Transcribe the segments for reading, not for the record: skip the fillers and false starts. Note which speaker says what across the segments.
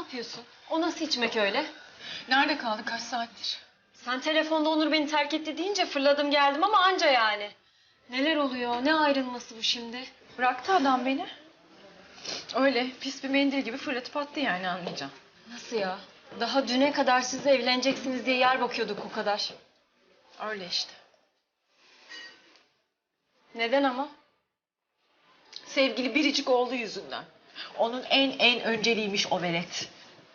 Speaker 1: yapıyorsun? O nasıl içmek öyle?
Speaker 2: Nerede kaldı kaç saattir?
Speaker 1: Sen telefonda Onur beni terk etti deyince fırladım geldim ama anca yani. Neler oluyor? Ne ayrılması bu şimdi?
Speaker 2: Bıraktı adam beni. Öyle pis bir mendil gibi fırlatıp attı yani anlayacağım.
Speaker 1: Nasıl ya? Daha düne kadar siz evleneceksiniz diye yer bakıyorduk o kadar.
Speaker 2: Öyle işte.
Speaker 1: Neden ama?
Speaker 2: Sevgili biricik oğlu yüzünden. Onun en önceliğiymiş o velet.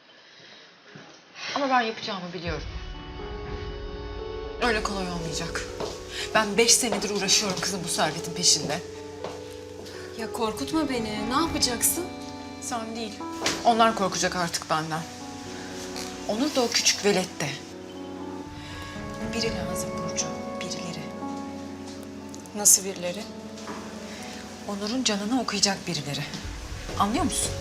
Speaker 2: Ama ben yapacağımı biliyorum. Öyle kolay olmayacak. Ben 5 senedir uğraşıyorum kızım bu servetin peşinde.
Speaker 1: Ya korkutma beni. Ne yapacaksın?
Speaker 2: Sen değil. Onlar korkacak artık benden. Onur da o küçük velet de. Biri lazım Burcu, birileri.
Speaker 1: Nasıl birileri?
Speaker 2: Onur'un canını okuyacak birileri. Anlıyor musun?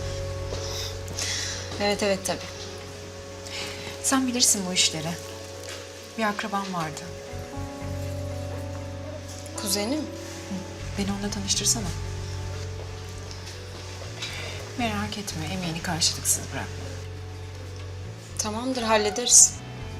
Speaker 1: Evet tabii.
Speaker 2: Sen bilirsin bu işleri. Bir akraban vardı.
Speaker 1: Kuzenim.
Speaker 2: Beni onunla tanıştırsana. Merak etme, emeğini karşılıksız bırakma.
Speaker 1: Tamamdır hallederiz.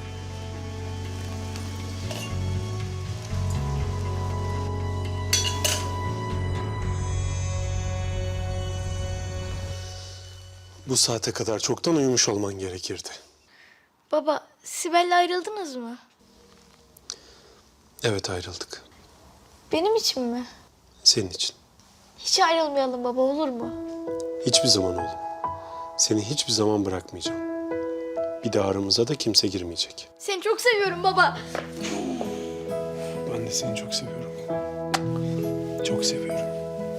Speaker 3: Bu saate kadar çoktan uyumuş olman gerekirdi.
Speaker 4: Baba, Sibel'le ayrıldınız mı?
Speaker 3: Evet, ayrıldık.
Speaker 4: Benim için mi?
Speaker 3: Senin için.
Speaker 4: Hiç ayrılmayalım baba, olur mu?
Speaker 3: Hiçbir zaman oğlum. Seni hiçbir zaman bırakmayacağım. Bir daha aramıza da kimse girmeyecek.
Speaker 4: Seni çok seviyorum baba.
Speaker 3: Ben de seni çok seviyorum. Çok seviyorum.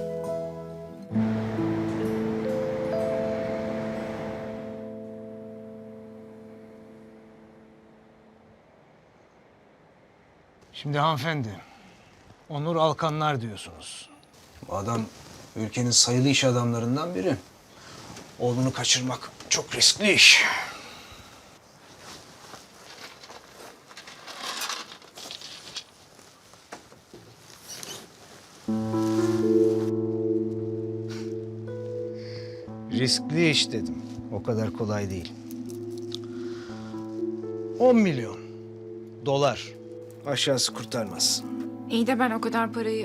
Speaker 5: Şimdi hanımefendi, Onur Alkanlar diyorsunuz. Bu adam ülkenin sayılı iş adamlarından biri. Oğlunu kaçırmak çok riskli iş. Riskli iş dedim. O kadar kolay değil. 10 milyon dolar. Aşağısı kurtarmaz.
Speaker 2: İyi de ben o kadar parayı...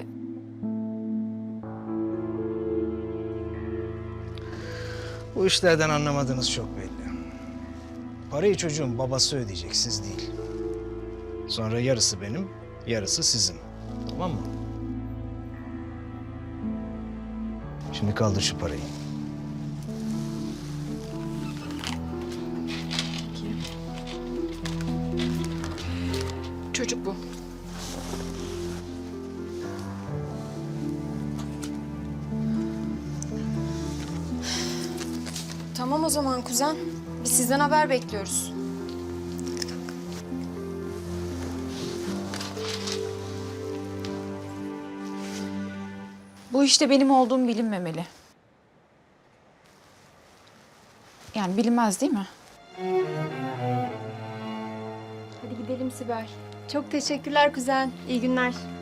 Speaker 5: Bu işlerden anlamadığınız çok belli. Parayı çocuğun babası ödeyecek, siz değil. Sonra yarısı benim, yarısı sizin. Tamam mı? Şimdi kaldır şu parayı.
Speaker 2: Çocuk bu.
Speaker 1: Tamam o zaman kuzen. Biz sizden haber bekliyoruz.
Speaker 2: Bu işte benim olduğum bilinmemeli. Yani bilinmez değil mi?
Speaker 4: Hadi gidelim Sibel. Çok teşekkürler kuzen. İyi günler.